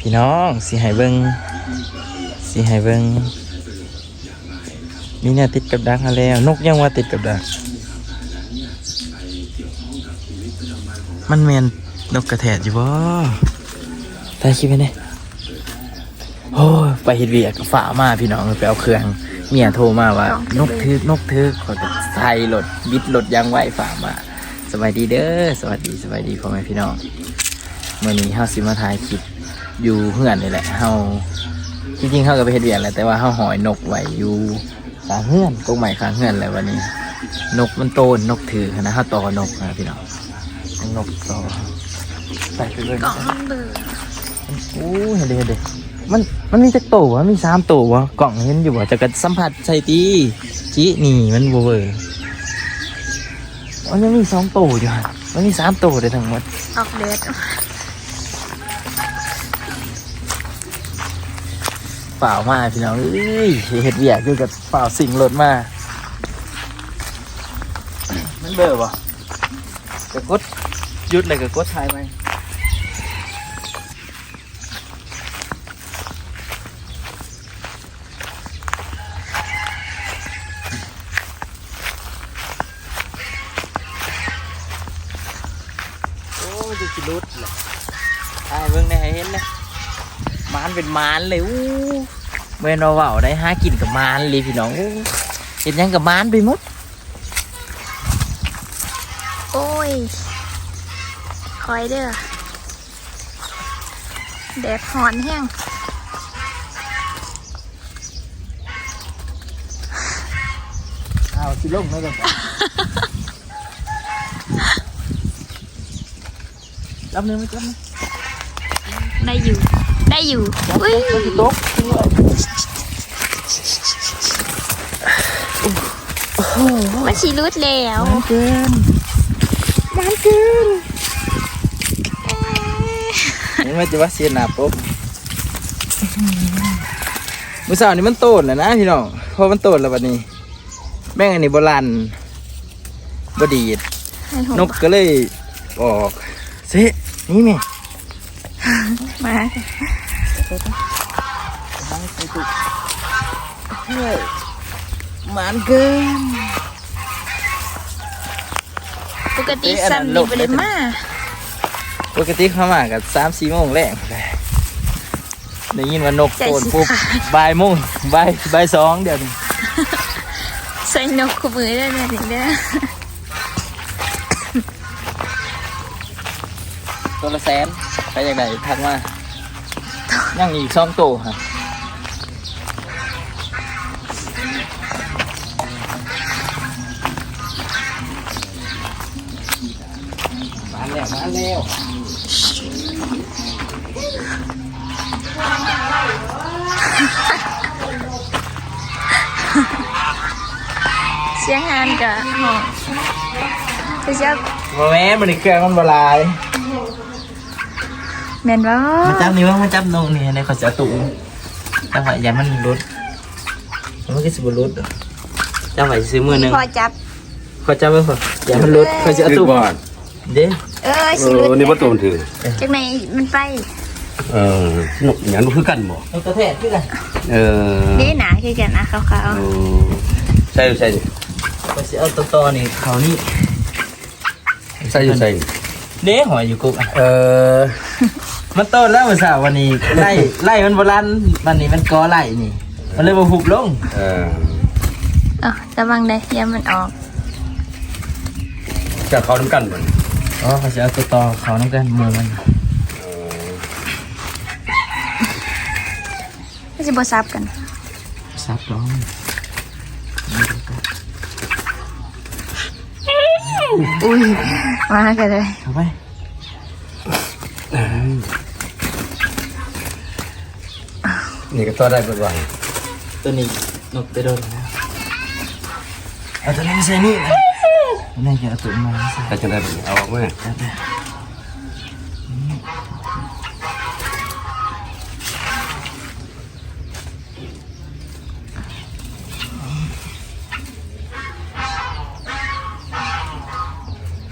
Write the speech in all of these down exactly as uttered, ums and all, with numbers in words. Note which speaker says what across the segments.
Speaker 1: พี่น้องสิให้เบิ่งสิให้เบิ่งมีเนี่ยติดกับดักมาแล้วนกยังว่าติดกับดักมันแมนนกกระแทกอยู่บ่ตายคิดไปเนี่ยโอ้ยไปเฮ็ดเวียกฝ่ามาพี่น้องไปเอาเครื่องเมียโทรมาว่านกทึกนกทึกขอใส่รถบิดรถยางไหวฝ่ามาสวัสดีเด้อสวัสดีสวัสดีพ่อแม่พี่น้องเมื่อนี้เฮาสิมาถ่ายคลิปอยู่เฮือนนี่แหละเฮาจริงๆเฮาก็ไปเฮ็ดเวียกแหละแต่ว่าเฮาหอยนกไว้อยู่ข้างเฮือนกงใหม่ข้างเฮือนแล้ววันนี้นกมันโตนนกถือนะเฮาต่อนกนะพี่น้องนกต่อไปไปเลย
Speaker 2: กล่องมันเบื่อ
Speaker 1: โอ้เห็นเด้เห็นเด้มันมันมีจักโตวะมีสามโตวะกล่องเห็นอยู่บ่จะกระสัมผัสใส่ตีจีนี่มันบ่เวอร์มันยังมีสองโตวอยู่ฮะมันมีสามโตวได้ทั้งหมด
Speaker 2: ออกเดท
Speaker 1: เปล่ามาพี่น้องเอ้ยเห็ดเวียกอยู่กับเปล่าสิ่งรถมามันเบอร์บ่กระกดหยุดเลยกระกดทายไปโอ้ยจะสิรุดเลยทายเบิ่งได้ให้เห็นเลยมานเป็นมานเลยอู้เมื่อเราเว่าได้หากินกับมานเลยพี่น้องอู้เห็นยังกับมานไปหมด
Speaker 2: โอ้ยคอยเด้อแดดหอนแห้ง
Speaker 1: เอาสิลงไม่ลงรับเนื้อไม่จับนะ
Speaker 2: ได้อยู่ได้อยู่อุ้ย
Speaker 1: ตกด้วย
Speaker 2: มันชีรุดแล้ว
Speaker 1: มันเกินมันเกินนี่มันจะว่าเสียหนาปุ๊บมือสาวนี่มันโตนแล้วนะพี่น้องพอมันโตนแล้ววันนี้แม่งอันนี้โบราณบดีด
Speaker 2: ให้หัวน
Speaker 1: กก็เลยออกเซ่นี่แม่
Speaker 2: มา
Speaker 1: บังไปตุกเฮ้ยมันเกิน
Speaker 2: ปกติซ้ำนี่ไปเลยมา
Speaker 1: ปกติเข้ามากับสามสี่โมงแรกได้ยินว่านกโตนปุ๊บบ่ายโมงบ่ายบ่ายสองเดี๋ยวนี้
Speaker 2: ใส่นกขมือได้เนี่ยถึงได้
Speaker 1: ตัวละแสนไปอย่างไรทักมายังอีกสองโตฮะมาแล้วมาแล้ว
Speaker 2: เสียงงานกับห้องไปจับ
Speaker 1: โมแม่มันเครื่องมันบลาย
Speaker 2: แมนว่า
Speaker 1: มาจับนี่ว่ามาจับนงนี่ในขอจะตุ่มจังหวะยันมันรุดมันก็สิบรุดจังหวะซื้อมือหนึ่ง
Speaker 2: พอจับ
Speaker 1: ขอจับไปพอยันมันรุดขอจะตุ่มเด้
Speaker 2: เออ
Speaker 3: เอ
Speaker 2: ชีรุ
Speaker 3: อ
Speaker 2: ด
Speaker 3: นี่ว่าตัวมันถือ
Speaker 2: จากไหนมันไป
Speaker 3: เออหนุกอย่างนู้นคือกันบ่
Speaker 1: เอากระแทกขึ้นกัน
Speaker 3: เออ
Speaker 2: นี่หนาคือกันนะขาว
Speaker 3: เออใส่ใส่ดิ
Speaker 1: ขอจะเอาตัวต่อนี่เขานี่
Speaker 3: ใส่อยู่ใส่
Speaker 1: เด้หอยอยู่กุ๊ก
Speaker 3: เออ
Speaker 1: มันโตแล้วมันสาววันนี้ไล่ไล่มันโบราณวันนี้มันกอไล่นี่ มันเลยมาหุบลง
Speaker 3: เออ
Speaker 2: ๆเออระวังได้เดี๋ยวมันออก
Speaker 3: จะเข้าน้ำกันบ่
Speaker 1: อ๋อเขาจะเอาตัวต่อเขาน้ำกันมือมัน
Speaker 3: เออ
Speaker 2: ไม่ใช่บซับกัน
Speaker 1: ซับร้อง
Speaker 2: อุ้ยมากันเลย
Speaker 1: เข้าไป
Speaker 3: นี่ก็ตัวได้เบิดว่า
Speaker 1: ตัวนี้นกไปโดนแล้วเอาตัวนี้ไม่ใช่นี่นะนี่จะเอาตัวมาใส่
Speaker 3: ถ้าจะได้แบบนี้เอาออกมา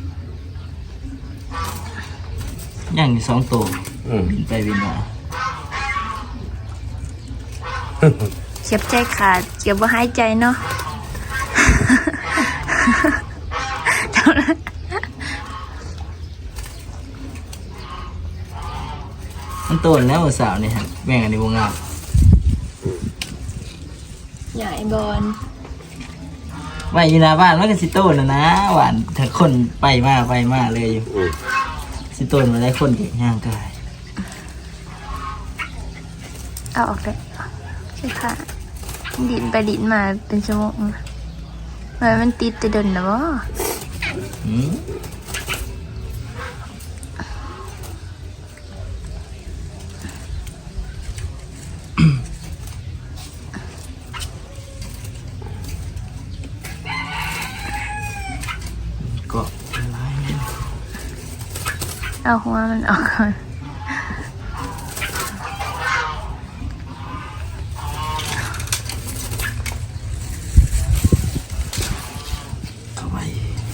Speaker 1: ย่างอยู่สองตัว
Speaker 3: อืม
Speaker 1: บินไปบินมา
Speaker 2: เจ็บใจขาดเจ็บว่าหายใจเนาะ
Speaker 1: มันโตแล้วสาวนี่ฮะแม่งอันนี้วงงาม
Speaker 2: ใหญ่บอล
Speaker 1: ไว้อยู่หน้าบ้านมันก็สิโตนะนะหวานถ้าคนไปมาไปมาเลยอยู่
Speaker 3: อืม
Speaker 1: สิโตมาได้คนเก่งย่างกาย
Speaker 2: เอาออกเลยใช่ค่ะดินไปดินมาเป็นชั่วโมงมันมันติดแต่เดินนะวะ
Speaker 1: หืมก็อะไร
Speaker 2: เอาหัวมันออกก่อน
Speaker 1: เข้าไป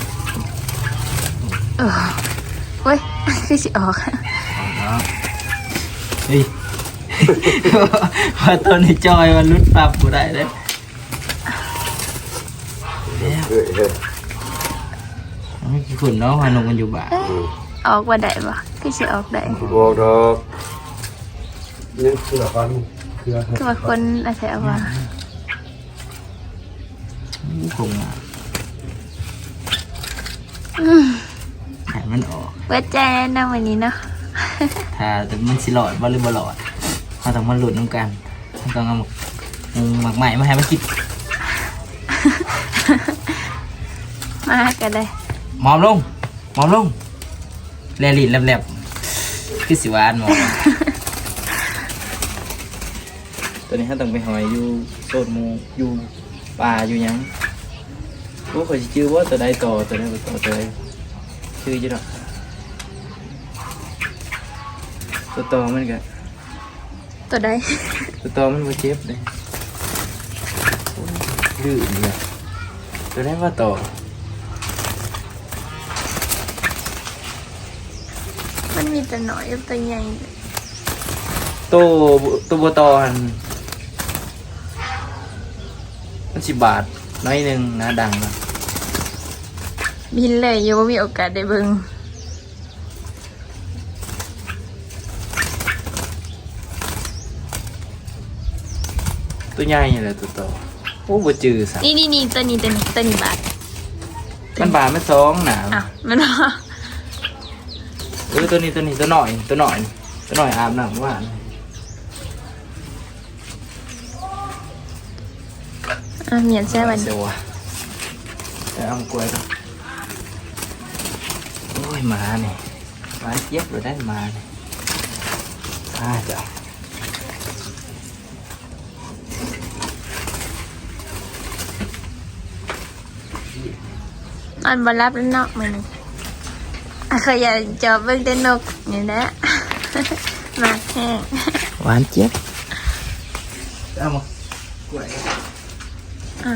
Speaker 2: เออเว้ยคือสิออก
Speaker 1: แล้วเฮ้ย ว่าตัวนี้จอยมันรุดปรับกูได้เลยแล้ว
Speaker 3: เฮ้ยเฮ้ย
Speaker 1: ไม่กี่คนเนาะพานงกันอยู่บ้าน
Speaker 2: เอ้ยออกว่าได้ปะคือสิออกได้
Speaker 3: บอกดอกนี่คือละกันคือละ
Speaker 2: คือว่าคนอาศัยเอาว่า
Speaker 1: คงอ่ะหายมันออก
Speaker 2: เปิดใจนะวันนี้เนาะ
Speaker 1: ถ้าแต่มันสิหลอดบ่หรือบ่หลอดเราต้องมาหลุดน้ำกันเราต้องเอาหมกหมักใหม่มาให้มันกิน
Speaker 2: มากันเลย
Speaker 1: หมอมลงหมอมลงแลลินแลบๆคือสิหวานหมอ ตัวนี้ถ้าต้องไปหอยอยู่โซนหมูอยู่ป่าอยู่หยังพวกเขาจะชื่อว่าตัวใดต่อตัวใดบ่ต่อตัวใดชื่อจะหรอกตัวต่อมันก็
Speaker 2: ตัวใด
Speaker 1: ตัวต่อมันบ่เจ็บเลยลื่นเนี่ยตัวได้ว่าต่อ
Speaker 2: มันมีแต่หน่อยกับตัวใหญ่
Speaker 1: ตัวตัวบัวตอหันมันสิบบาทน้อยหนึ่งนะดังนะ
Speaker 2: บินเลยยังไม่มีโอกาสได้เบิ่ง
Speaker 1: ตัวใหญ่เลยตัวต่อโอ้บัจือสัก
Speaker 2: นี่นี่นี่ตัวนี้ตัวนี้ตัวนี้บาท
Speaker 1: มันบาทมันสองหนา
Speaker 2: อ้าวมันว่า
Speaker 1: เออตัวนี้ตัวนี้ตัวหน่อยตัวหน่อยตัวหน่อยอาบน้ำว่าน
Speaker 2: อ่ะเหมียนแซ่วัน
Speaker 1: เสียวะแต่เอามากล้วยก่อนโอ้ยหมาเนี่ยหมาเย็บเลยได้หมาเนี่ยอ่าจ้ะ
Speaker 2: นอนบรับแล้วเนาะมันอ่ะเคยอยากจอบเบิ่งแต่นกนี่แหละ มาแห้ง
Speaker 1: หวานเจี๊ยบเอามากล้วย
Speaker 2: อ่า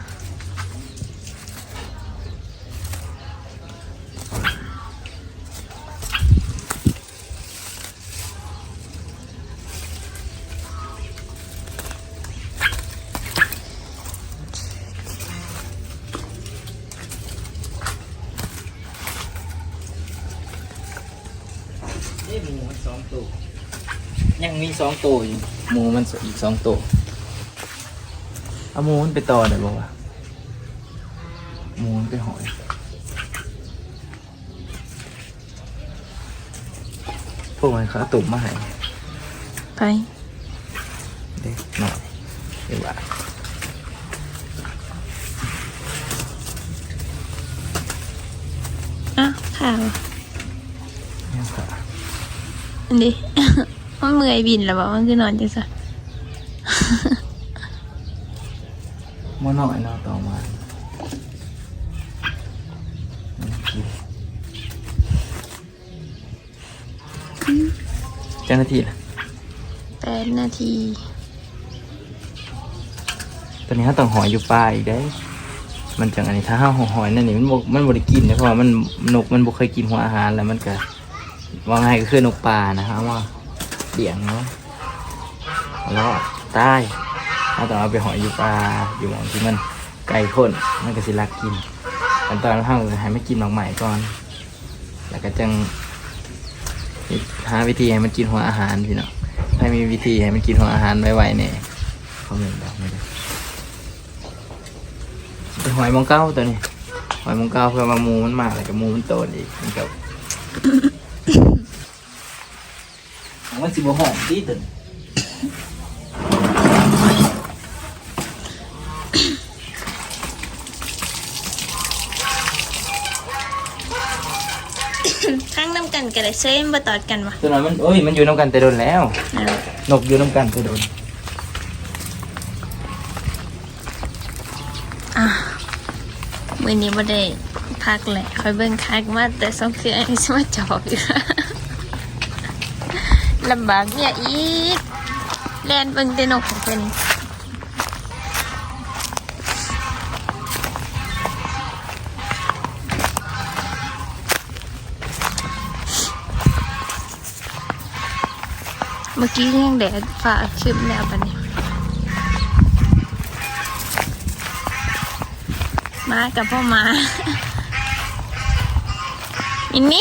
Speaker 1: เอ้หมูมันสองตัวยังมีสองตัวอยู่หมูมันอีกสองตัวเอาหมูมันไปต่อได้บ่วะหมูมันไปหอยพวกมันเขาตุ่มมาให้
Speaker 2: ไป
Speaker 1: เด็กหน่อยเดี๋ยวว่า
Speaker 2: อ่ะข่าว
Speaker 1: เนี่ยค่ะ
Speaker 2: อันนี้ มันเมื่อยบินแล้วบอกมันคือนอนจังซะ
Speaker 1: หม้อหน่อยเนาะต่อมาเจ้าหน้าที่ล่ะ
Speaker 2: แปดนาที
Speaker 1: ตอนนี้เขาต้องหอยอยู่ปลาอีกได้ มันจังอันนี้ถ้าห้าหอยนั่นนี่มันบ่มันบริกินนะเพราะว่ามันนกมันบ่เคยกินหัวอาหารแล้วมันก็ว่าไงก็คือนกปลานะครับว่าเดี่ยงเนาะแล้วตายถ้าต้องเอาไปหอยอยู่ปลาอยู่หมองที่มันไก่ข้นมันก็สิรักกินขั้นตอนเราให้มันกินหมากใหม่ก่อน แล้วก็จังหาวิธีให้มันกินหัวอาหารพี่น้องถ้ามีวิธีให้มันกินหัวอาหารไวๆเนี่ยเขาเหมือนบอกไม่ได้เป็นหอยมองเก้าตัวนี้หอยมองเก้าเพื่อมามูมันมากเลยกับมูมันโตอีกมันก็ มันสิบหอมดีตัวนี้
Speaker 2: ข้างน้ำกันกันเลยเซ่มาตอดกันวะ
Speaker 1: ตัวนั้นมันโอ้ยมันอยู่น้ำกันแต่โดนแล้ว
Speaker 2: เอา
Speaker 1: นกอยู่น้ำกันแต่โดน
Speaker 2: อ่ะมือนี้บ่ได้พักแหละคอยเบิ่งคักมาแต่สองเครื่องอันนี้มาจอบอยู่ ลำบากเนี่ยอีกแลนเบิ่งแต่นกของเพิ่นเมื่อกี้ยังแดดฝ่าขึ้นแล้วปะเนี่ยมากับพ่อมา อินนี่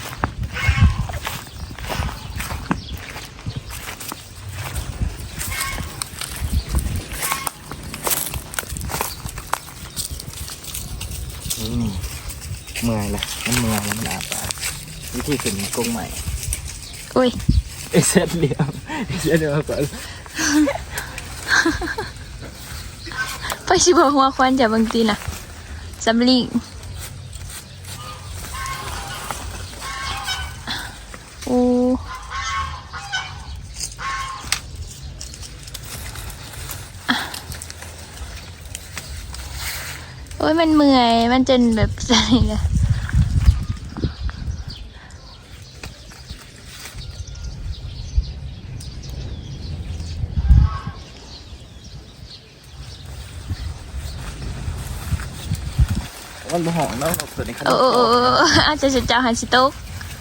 Speaker 1: นี่นี่เมื่อยละมันเมื่อยมันหนาปากวิธีขึ้นกรงใหม่
Speaker 2: อุ้ย
Speaker 1: เอเซตเดียวเอเซตเดียวก่อน
Speaker 2: ไปชิบหัวควันจากบางทีน่ะสำลีโอ้โอ้ยมันเมื่อยมันจนแบบอะไรเลย
Speaker 1: มันบ่หอมแล้วตัวนี้ขน
Speaker 2: โอ้
Speaker 1: ก
Speaker 2: โอ้
Speaker 1: โต
Speaker 2: โอ้โอ้อาจจะจะเจ้าหันสิโต๊ะ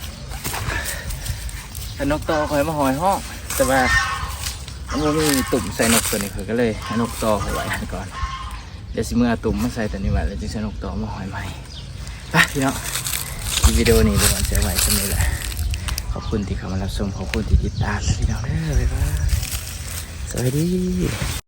Speaker 1: ขนกโตคอยมาหอยห้องแต่ว่ามันบ่มีตุ่มใส่นกตัวนี้คือก็เลยให้นกโตคอยไว้ก่อนเดี๋ยวสิเมื่อตุ่มมาใส่ตัวนี้ไว้แล้วจึงใส่นกโตมาหอยใหม่ไปพี่น้องที่วิดีโอนี้ไปก่อนเสียไว้ตรงนี้แหละขอบคุณที่เข้ามารับชมขอบคุณที่ติดตามนะพี่น้องเด้อบ๊ายบายสวัสดี